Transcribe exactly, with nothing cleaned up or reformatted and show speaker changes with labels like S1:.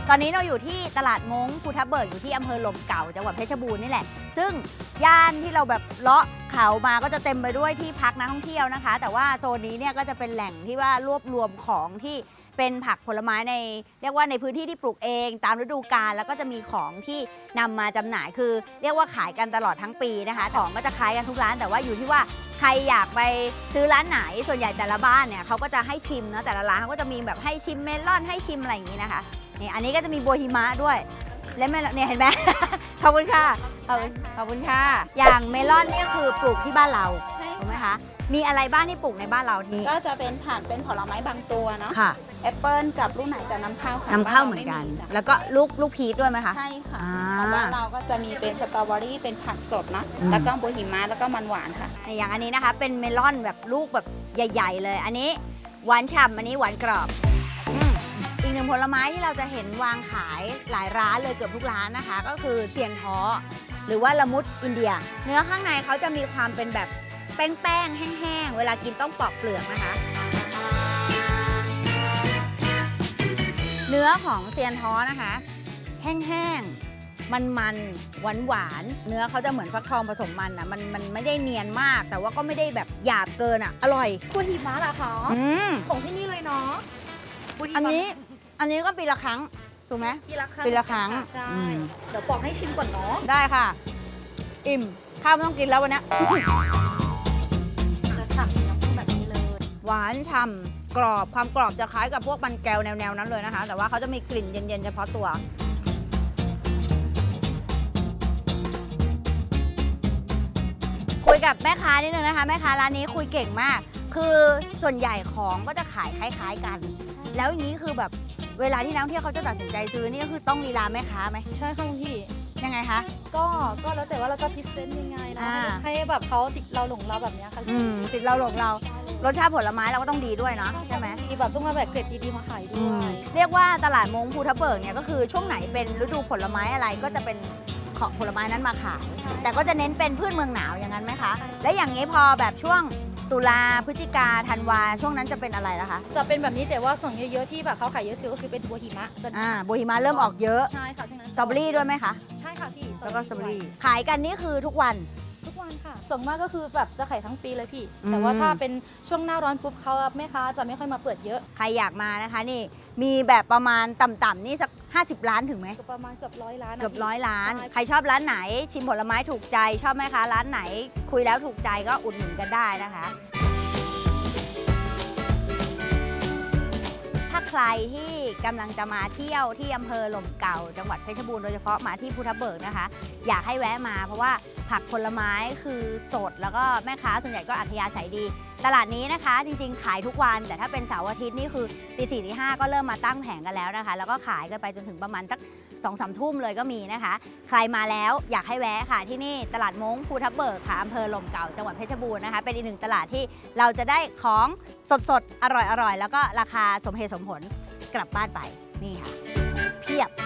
S1: ตอนนี้เราอยู่ที่ตลาดม้งภูทับเบิกอยู่ที่อำเภอหล่มเก่าจังหวัดเพชรบูรณ์นี่แหละซึ่งย่านที่เราแบบเลาะเขามาก็จะเต็มไปด้วยที่พักนักท่องเที่ยวนะคะแต่ว่าโซนนี้เนี่ยก็จะเป็นแหล่งที่ว่ารวบรวมของที่เป็นผักผลไม้ในเรียกว่าในพื้นที่ที่ปลูกเองตามฤดูกาลแล้วก็จะมีของที่นำมาจำหน่ายคือเรียกว่าขายกันตลอดทั้งปีนะคะของก็จะขายกันทุกร้านแต่ว่าอยู่ที่ว่าใครอยากไปซื้อร้านไหนส่วนใหญ่แต่ละบ้านเนี่ยเขาก็จะให้ชิมเนาะแต่ละร้านเขาก็จะมีแบบให้ชิมเมลอนให้ชิมอะไรอย่างนี้นะคะนี่อันนี้ก็จะมีบัวหิมะด้วยและเมลอนเนี่ยเห็นไหม ขอบคุณค่ะขอบคุณขอบคุณค่ะอย่างเมลอนเนี่ยคือปลูกที่บ้านเราถูกไหมคะมีอะไรบ้างที่ปลูกในบ้านเราที่
S2: ก็จะเป็นผักเป็นผลไม้บางตัวเนาะ
S1: ค่ะ
S2: แอปเปิลกับลูกไหนจะนำเข้าค่ะ
S1: นำเข้าเหมือนกันแล้วก็ลูกลูกพีชด้วยไหมคะ
S2: ใช่ค่ะ
S1: อ่า
S2: ของบ้านเราก็จะมีเป็นสตรอเบอรี่เป็นผักสดนะ
S1: อืม
S2: แล้วก็บัวหิมะแล้วก็มันหวานค่ะ
S1: อย่างอันนี้นะคะเป็นเมลอนแบบลูกแบบใหญ่ๆเลย อันนี้หวานฉ่ำอันนี้หวานกรอบอืมอีกหนึ่งผลไม้ที่เราจะเห็นวางขายหลายร้านเลยเกือบทุกร้านนะคะ ก็คือเซียนท้อหรือว่าละมุดอินเดีย เนื้อข้างในเขาจะมีความเป็นแบบแป้งๆแห้งๆเวลากินต้องปอกเปลือกนะคะ เนื้อของเซียนท้อนะคะแห้งๆมันๆหวานหวานๆเนื้อเขาจะเหมือนฟักทองผสมมันอ่ะมันมันไม่ได้เนียนมาก แต่ว่าก็ไม่ได้แบบหยาบเกินอ่ะอร่อย
S3: บัวหิมะเหรอคะ
S1: อืม
S3: ของที่นี่เลยเนาะบัวหิมะ
S1: อันนี้อันนี้ก็ปีละครั้งถูกไหม
S3: ปีละครั้ง
S1: ปีละครั้ง
S3: ใช่
S1: อืม
S3: เดี๋ยวปอกให้ชิมก่อนเนาะ
S1: ได้ค่ะ อิ่มข้าวไม่ต้องกินแล้ววันนี้
S3: จะฉ่ำน้ำผึ้งแบบนี้เลย
S1: หวานฉ่ำกรอบความกรอบจะคล้ายกับพวกมันแก้วแนวๆนั้นเลยนะคะ แต่ว่าเขาจะมีกลิ่นเย็นๆเฉพาะตัว คุยกับแม่ค้านิดนึงนะคะแม่ค้าร้านนี้คุยเก่งมาก คือส่วนใหญ่ของก็จะขายคล้ายๆกัน แล้วอย่างนี้คือแบบเวลาที่นักท่องเที่ยวเขาจะตัดสินใจซื้อนี่ก็คือต้องลีลาแม่ค้าไหม
S3: ใช่ค่ะคุณพี่
S1: ยังไงคะ
S3: ก็ก็แล้วแต่ว่าเราจะพรีเซนต์ยังไงนะ
S1: อ่า
S3: ให้แบบเขาติดเราหลงเราแบบเนี้ยค่ะ
S1: อืมติดเราหลงเรา รสชาติผลไม้เราก็ต้องดีด้วยเนาะใช่ไหม
S3: มีแบบต้องมาแบบเกรดดีๆมาขายด้วย
S1: เรียกว่าตลาดมงภูทับเบิกเนี่ยก็คือช่วงไหนเป็นฤดูผลไม้อะไรก็จะเป็นของผลไม้นั้นมาขาย แต่ก็จะเน้นเป็นพืชเมืองหนาวอย่างนั้นไหมคะ และอย่างนี้พอแบบช่วงตุลาพฤศจิกาธันวาช่วงนั้นจะเป็นอะไรล่ะคะ
S3: จะเป็นแบบนี้แต่ว่าส่วนเยอะๆที่แบบเขาขายเยอะสุดก็คือเป็นบัวหิมะจะ
S1: อ่าโบฮิมาเริ่มออกเยอะ
S3: ใช่ค่ะช่วงนั้น
S1: สตรอเบอรี่ด้วยไหมคะ
S3: ใช่ค่ะพี่
S1: แล้วก็สตรอเบอรี่ขายกันนี่คือทุกวัน
S3: ทุกวันค่ะ ส่วนมากก็คือแบบจะขายทั้งปีเลยพี่
S1: อืม
S3: แต่ว่าถ้าเป็นช่วงหน้าร้อนปุ๊บเขาแม่ค้าจะไม่ค่อยมาเปิดเยอะ
S1: ใครอยากมานะคะนี่มีแบบประมาณต่ำๆนี่สักห้าสิบล้านถึงไหม
S3: ก็ประมาณเกือบร้อยล้านนะ
S1: เกือบ
S3: พี่
S1: ร้อยล้าน
S3: ใช่
S1: ใครชอบร้านไหนชิมผลไม้ถูกใจชอบไหมคะร้านไหน คุยแล้วถูกใจก็อุดหนุนกันได้นะคะ ถ้าใครที่กำลังจะมาเที่ยวที่อำเภอหล่มเก่าจังหวัดเพชรบูรณ์โดยเฉพาะมาที่ภูทับเบิกนะคะ อยากให้แวะมาเพราะว่าผักผลไม้คือสดแล้วก็แม่ค้าส่วนใหญ่ก็อัธยาศัยดี ตลาดนี้นะคะ จริงๆ ขายทุกวันแต่ถ้าเป็นเสาร์อาทิตย์นี่คือตีสี่ตีห้าก็เริ่มมาตั้งแผงกันแล้วนะคะ แล้วก็ขายกันไปจนถึงประมาณสักสองสามทุ่มเลยก็มีนะคะ ใครมาแล้วอยากให้แวะค่ะที่นี่ตลาดม้งภูทับเบิกค่ะอำเภอหล่มเก่าจังหวัดเพชรบูรณ์นะคะเป็นอีกหนึ่งตลาดที่เราจะได้ของสดๆ อร่อยๆ แล้วก็ราคาสมเหตุสมผลกลับบ้านไปนี่ค่ะเพียบ